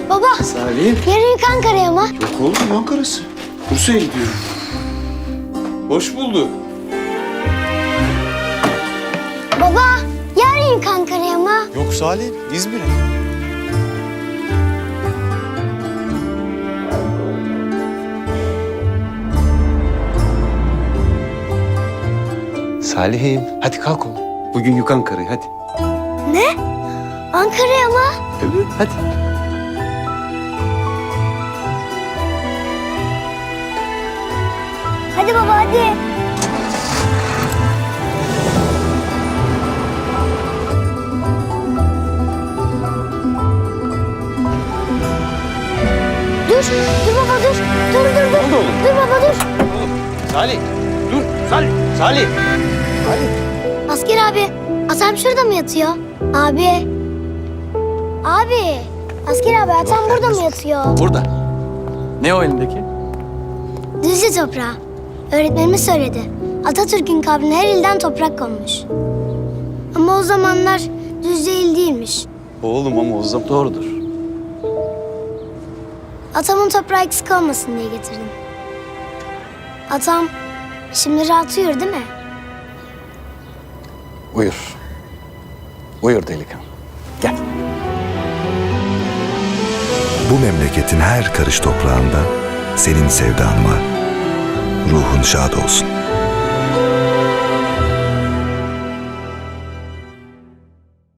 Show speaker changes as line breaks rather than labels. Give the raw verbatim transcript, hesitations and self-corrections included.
Baba,
Salim.
yarın yük Ankara'ya mı?
Yok oğlum, Ankara'sı. Bursa'ya gidiyorum. Hoş bulduk.
Baba, yarın yük Ankara'ya mı?
Yok Salim, İzmir'e. Salih'im, hadi kalk oğlum. Bugün yük Ankara'ya, hadi.
Ne? Ankara'ya mı?
Evet, hadi.
Hadi baba, hadi. Dur, dur baba dur. Dur, dur, dur.
oldu oğlum?
Dur baba dur.
Salih, dur. Salih, Salih. Salih.
Asker abi, atam şurada mı yatıyor? Abi. Abi. Asker abi, atam burada mı yatıyor?
Burada. Ne o elindeki?
Düzce toprağı. Öğretmenimiz söyledi. Atatürk'ün kabrine her ilden toprak konmuş. Ama o zamanlar Düzce il değilmiş.
Oğlum ama o zaman doğrudur.
Atamın toprağı eksik olmasın diye getirdim. Atam şimdi rahat uyur değil mi?
Buyur. Buyur delikanlı. Gel.
Bu memleketin her karış toprağında senin sevdan var. Ruhun şad olsun.